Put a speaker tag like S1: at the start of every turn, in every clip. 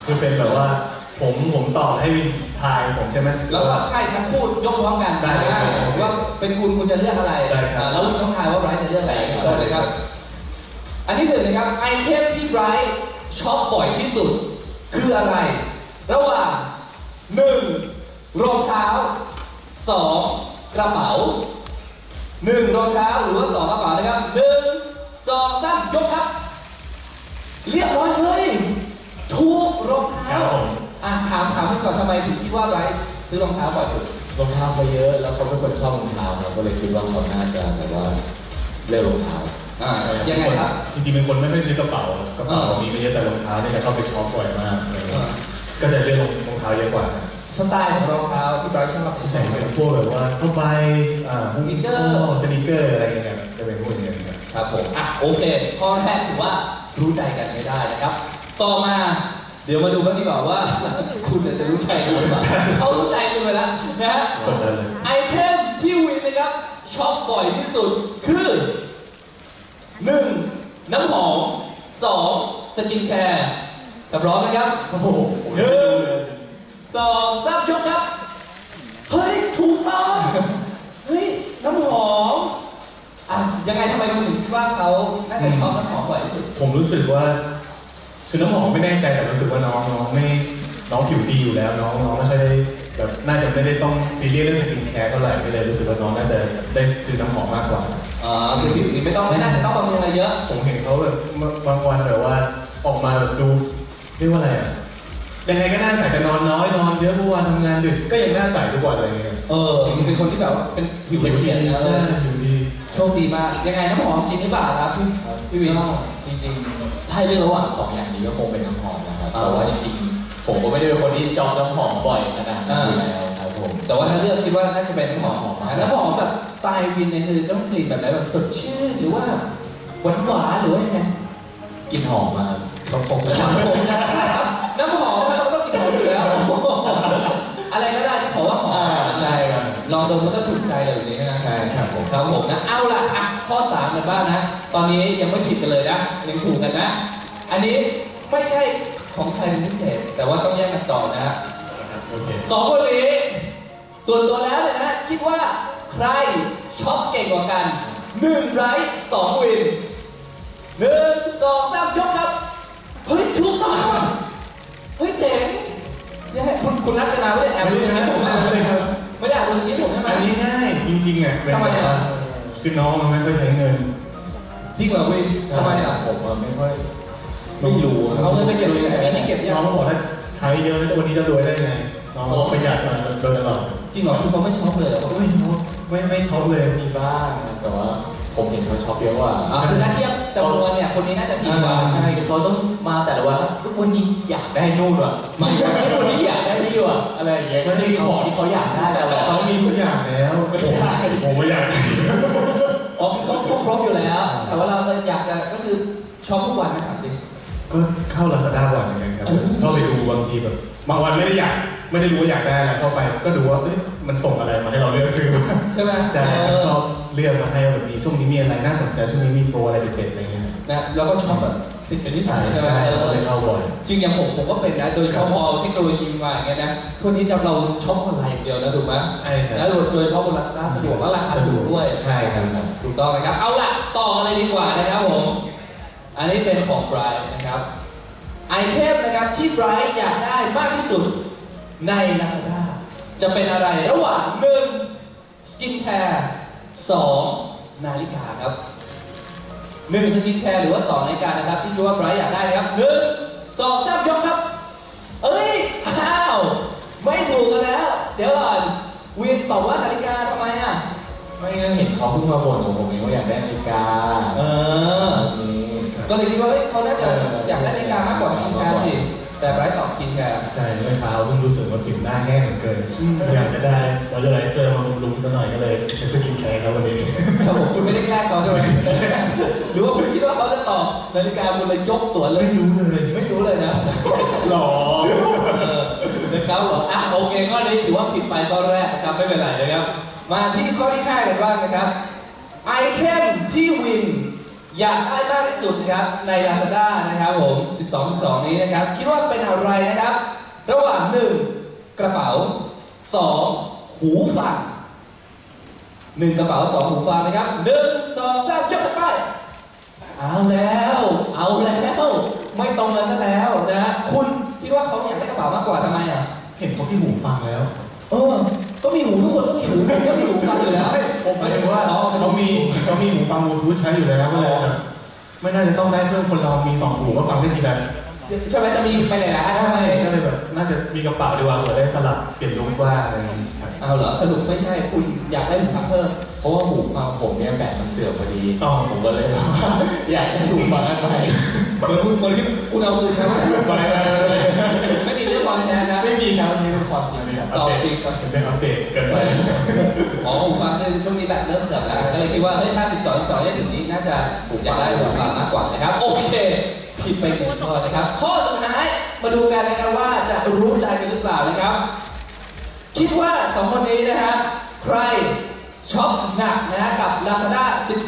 S1: คือเป็นแบบว่าผมตอบให้วินทายผมใช่ไหม
S2: แล้วก็ใช่ทั้งคู่ยกพร้อมกันได้ว่าเป็นคุณจะเลือกอะไรแล้ววินต้องทายว่าไบรท์จะเลือกอะไรต่อเลยครับอันที่หนึ่งนะครับไอเทมที่ไบรท์ช็อปบ่อยที่สุดคืออะไรระหว่าง1รองเท้า2กระเป๋า1รองเท้าหรือว่า2กระเป๋านะครับ1 2 3ยกครับเรียบร้อยเลยถูกรองเท้าถามให้ก่อนทำไมถึงคิดว่าไบรท์ซื้อรองเท้าบ่อยสุด
S3: รองเท้าเขาเยอะแล้วเขาเป็นคนชอบรองเท้าเราก็เลยคิดว่าเขาน่าจะแบบว่าเลือกรองเท้า
S2: ยังไงครับ
S1: จริงๆเป็นคนไม่ค่อยซื้อกระเป๋ากระเป๋ามีไม่เยอะแต่รองเท้าเนี่ยจะเข้าไปช็อปบ่อยมากก็จะเลือกรองเท้าเยอะกว่า
S2: สไตล์ของรองเท้าที่ไบรท์ชอบ
S1: ใช่เป็นพวกแบบว่าเข้าไปสนิเกอร์อะไรอย่างเงี้ยจะเป็นพวกนี้
S2: ครับผมโอเคข้อแรกถือว่ารู้ใจกันใช้ได้นะครับต่อมาเดี๋ยวมาดูกันดีกว่าว่าคุณจะรู้ใจกันหรือเปล่าเขารู้ใจคุณไปแล้วนะฮะไอเทมที่วินนะครับช็อปบ่อยที่สุดคือ1น้ำหอม2สกินแคร์พร้อมนะครับโอ้โห1 2 3ยกครับเฮ้ยถูกต้องเฮ้ยน้ำหอมยังไงทำไมคุณถึงคิดว่าเขาน่าจะชอบน้ำหอมบ่อยที่สุด
S1: ผมรู้สึกว่าคือน้ำหอมไม่แน่ใจแต่รู้สึกว่าน้องผิวดีอยู่แล้วน้องไม่ใช่แบบน่าจะไม่ได้ต้องซีเรียสเรื่องสกินแคร์เท่าไหร่ก็เลยรู้สึกว่าน้องน่าจะได้ซื้อน้ำหอมมากกว่า
S2: คือผิวดีไม่น่าจะต้องบำรุงอะไรเยอะ
S1: ผมเห็นเขาแบบบางวันแบบว่าออกมาแบบดูเรียกว่าอะไรยังไงก็น่าใส่แต่นอนน้อยนอนเยอะเมื่อวานทำงานดึกก็ยังน่าใส่ทุกวันอะไรเงี้ย
S2: เป็นคนที่แบบเป็นผิวละเอียดนะ
S1: ผิวดี
S2: โชคดีมากยังไงน้ำหอมจริงหรือเปล่าครับพี่วิน
S3: จริงๆถ้าเลือกระหว่าง2อย่างนี้ก็คงเป็นน้ำหอมนะครับแต่ว่าจริงๆผมก็ไม่ได้เป็นคนที่ชอบน้ำหอมบ่อยขนาดนั้นอยู่แล้วครับผม
S2: แต่ว่าถ้าเลือกคิดว่าน่าจะเป็นน้ำหอมน้ำหอมแบบสไตล์วินเนี่ยคือต้องกลิ่นแบบไหนแบบสดชื่นหรือว่าหวานหรือว่ายังไง
S3: กลิ่นหอมมา
S2: ครับผมนะใช่ครับน้ำหอมมันก็ต้องกลิ่นหอมอยู่แล้วอะไรก็ได้ที่ขอว่าหอม
S3: ใช่ครับ
S2: ลองดมมันก็ถูกใจเลยแบบนี้นะ
S3: ใช่ครับผม
S2: นะเอาล่ะข้อ3กันบ้างนะตอนนี้ยังไม่ผิดกันเลยนะยังถูกกันนะอันนี้ไม่ใช่ของใครเป็นพิเศษแต่ว่าต้องแยกกันต่อนะฮะสองคนนี้ส่วนตัวแล้วเลยนะคิดว่าใครช็อปเก่งกว่ากัน1ไบรท์2วิน1 2 3ยกครับเฮ้ยถูกต้องเฮ้ยเจ๋งยังไงคุณนัดกันมาไม่ได้แอบดูอย่างนี้ผมไม่ได้แอบดูอย่างนี้ผมใช่ไหม
S1: อันนี้ง่ายจริงๆ
S2: ทำไม
S1: คือน้องมันไม่ค่อยใช้เงิน
S2: จริงเหรอวินทำไม
S3: ผมไม่ค่อยไม่รู้
S2: เอาเงินไปเก็บยังไงที่เก็บ
S1: น้องเขาบอกว่าใช้เยอะแล้ววันนี้จะรวยได้ไงน้องประหยัดมาโดยตลอด
S2: จริงเหรอคือเขาไม่ช็อปเลยเขา
S1: ไม่ช็อปไม่ช็อปเลย
S3: มีบ้างแต่ว่าผมเห็นเขาช็อปเยอะกว่า
S2: คือถ้าเทียบจำนวนเนี่ยคนนี้น่าจะดีกว่า
S3: ใช่เขาต้องมาแต่ละวันวันนี้อยากได้นู่นว่ะไม่วันนี้อยากได้นี่ว่ะอะไรอย่างเงี้ยก็มีของที่เขาอยากได้แต่
S1: เขามีทุกอย่างแล้วไม่ใช่ผมไม่อยาก
S2: เขาครบอยู่แล้วแต่ว่าเราอยากจะก็คือช็อปทุกวันนะครับจริง
S1: ก็เข้า Lazada บ่อยเหมือนกันครับเข้าไปดูบางทีแบบบางวันไม่ได้รู้ว่าอยากได้อะไรเข้าไปก็ดูว่ามันส่งอะไรมาให้เราเลือกซื้อ
S2: ใช่ไหม
S1: ใช่ชอบเลือกมาให้แบบนี้ช่วงนี้มีอะไรน่าสนใจช่วงนี้มีโปรอะไรเด็ดๆอะไรเงี้ย
S2: นะแล้วก็ชอบแบบติดเป็นนิสัยใช่ไหม
S1: เลยชอบบ่อย
S2: จริงอย่างผมก็เป็นนะโดยเฉพาะเทคโนโลยีมาอย่างเงี้ยนะทุกนี้เราชอบออนไลน์อย่างเดียวนะถูกไหม
S1: ใช่ครับ
S2: แล้วโดยเฉพาะบน Lazada สะดวกและราคาถูกด้วย
S1: ใช่ครับ
S2: ถูกต้องนะครับเอาล่ะต่อกันเลยดีกว่านะครับผมอันนี้เป็นของไบรท์นะครับไอเทมนะครับที่ไบรท์อยากได้มากที่สุดใน Lazada จะเป็นอะไรระหว่าง1สกินแคร์2นาฬิกาครับ1สกินแคร์หรือว่า2นาฬิกานะครับที่คิดว่าไบรท์อยากได้นะครับ1 2 3ยกครับเอ้ยไม่ถูกกันแล้วเดี๋ยวก่อนเวียนตอบว่านาฬิกาทำไม
S3: ไม่เห็นเขาเพิ่งมาบ่นของผมเองว่าอยากได้นาฬิกา
S2: ก็เลยคิดว่าเขาน่าจะอยากได้นาฬิกามากกว่าสกินแคร์สิแต่ไบรท์ตอบสกินแคร์
S1: ใช่เมื่อเช้าเพิ่งรู้สึกว่าผิวหน้าแห้งเหลือเกินอยากจะได้มอยเจอไรเซอร์มาบำรุงซะหน่อยก็เลยเป็นสกินแคร์ครับวันนี้
S2: ครับผมคุณไม่ได้แกล้งเขาใช่ไหมหรือว่าคุณคิดว่าเขาจะตอบนาฬิกาคุณเลยยกสวนเลย
S1: ไม่
S2: รู้เลยนะ
S1: หรอ
S2: นะครับโอเคข้อนี้ถือว่าผิดไปข้อแรกนะครับไม่เป็นไรนะครับมาที่ข้อที่5กันบ้างนะครับไอเทมที่วินอยากได้มากที่สุดนะครับใน Lazada นะครับผม 12 นี้นะครับ คิดว่าเป็นอะไรนะครับ ระหว่าง 1. กระเป๋า 2. หูฟัง 1 กระเป๋า 2 หูฟังนะครับ 1 2 3 ยกขึ้นไปเอาแล้ว ไม่ตรงกันซะแล้วนะคุณคิดว่าเขาอยากได้กระเป๋ามากกว่าทำไมอ่ะ
S1: เห็นเขาที่หูฟังแล้ว
S2: ก็มีหูทุกคนก็มีหูผมก็มีหูฟังอยู่แล้ว
S1: ผมหมายถึงว่าเขามีหูฟังบลูทูธใช้อยู่แล้วก็เลยไม่น่าจะต้องได้เพิ่มคนเรามี2หูก็ฟังได้ทีละ
S2: ใช่ไหมจะมีไปหลายๆอันใช่ไหม
S1: ก็เลยแบบน่าจะมีกระเป๋าดีกว่าเผื่อได้สลับเปลี่ยนลุคว่าอะไรอย่างนี้ครับ
S2: เอาเหรอสรุปไม่ใช่คุณอยากได้หูฟังเพิ่ม
S3: เพราะว่าหูฟังผมเนี่ยแบตมันเสื่อมพอดี
S1: อ๋อ
S3: ผมก็เลยว่าอยากได้หูฟังอันใหม่
S2: เหมือนที่คุณเอาคืนเขาเนี่ยไม่มีเรื่องความแท้นะ
S3: ไม่มีครับนี่เป็นความจริงครับ
S2: ต่อชิงครับ
S1: เป็นอัปเดตเกินไป
S2: อ๋อหูฟังคือช่วงนี้แบบเริ่มเสื่อมแล้วก็เลยคิดว่าเฮ้ยถ้า12ได้ถึงนี้น่าจะอยากได้หูฟังมากกว่านะครับโอเคผิดไป1ข้อนะครับข้อสุดท้ายมาดูกันนะครับว่าจะรู้ใจกันหรือเปล่านะครับ คิดว่า2คนนี้นะฮะใครช็อปหนักนะฮะกับ Lazada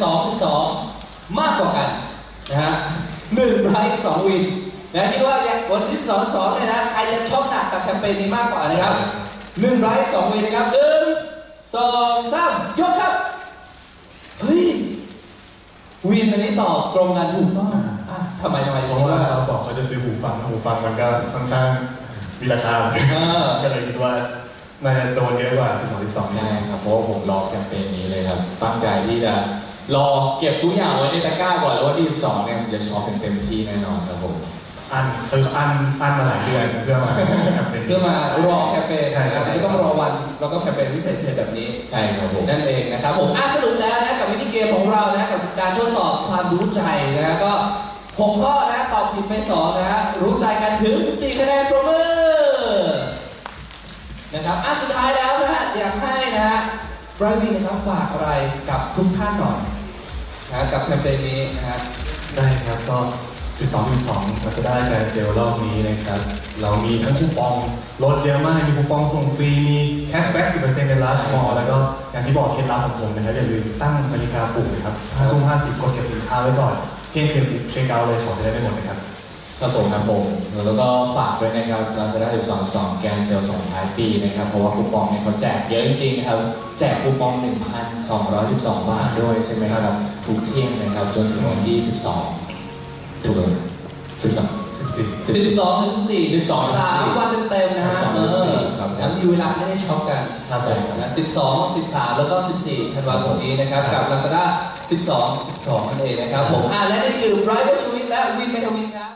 S2: 12 มากกว่ากันนะฮะ1 ไบรท์2 วินนะคิดว่าวันที่12เนี่ยนะใครจะช็อปหนักกับแคมเปญนี้มากกว่านะครับ1 ไบรท์2 วินนะครับ1 2 3 ยกครับเฮ้ยวินอันนี้ตอบตรงกันถูกต้องทำไม
S1: เพ
S2: ถึง
S1: ราะ
S2: คิด
S1: ว่า
S2: ว่า
S1: เขาบอกเขาจะซื้อหูฟังมันก็ค่อนข้างมีราคาก็เลยคิดว่าน่าจะโดนเยอะกว่า12
S3: ใช่ครับเพราะว่าผมรอแคมเปญนี้เลยครับตั้งใจที่จะรอเก็บทุกอย่างไว้ในตะกร้าก่อนแล้ววันที่12เนี่ยผมจะช็อปเต็มที่แน่นอนครับผม
S1: อันมาหลายเดือนเพื่อมาแคมเปญ
S2: เพื่อมารอแคมเปญ
S1: ใช่ครับ
S2: ก็ต้องรอวันแล้วก็แคมเปญพิเศษแบบนี้
S3: ใช่ครับผม
S2: นั่นเองนะครับผมสรุปแล้วนะกับมินิเกมของเรานะกับการทดสอบความรู้ใจนะฮะก็6 ข้อนะตอบผิดไป2นะฮะรู้ใจกันถึง4 คะแนนปรบมือนะครับสุดท้ายแล้วนะฮะอยากให้นะฮะไบรท์วินนะครับฝากอะไรกับทุกท่านหน่อยนะกับแคมเปญนี้นะฮะ
S1: ได้ครับก็ 12 Lazada แกรนด์เซลรอบนี้นะครับเรามีทั้งคูปองลดเยอะมากมีคูปองส่งฟรีมีแคชแบ็ก 10% ใน Last Mall แล้วก็อย่างที่บอกเคล็ดลับของผมนะครับอย่าลืมตั้งนาฬิกาปลุกนะครับ5:50กดเก็บสินค้าไว้ก่อนเที่ยงคืนเช็คเอาท์เลยของจะได้ไม่หมดนะครับ
S3: ครับผมแล้วก็ฝากด้วยนะครับ Lazada 12 แกนเซลส่งท้ายปีนะครับเพราะว่าคูปองเนี่ยเขาแจกเยอะจริงๆนะครับแจกคูปอง 1,212 บาทด้วยใช่ไหมครับทุกเที่ยงนะครับจนถึงวันที่ 12 ถูกเลย12
S2: 12 ถึง 4 3 วันเต็มๆนะฮะ
S3: ครับ
S2: แล้วมีเวลาให้ได้ช็อปกัน
S3: ครับผม
S2: นะ12 13 แล้วก็ 14 ธันวาคมนี้นะครับกับ Lazada 12 นั่นเองนะครับผมและนี่คือ Bright Choice และ Win Metavision ครับ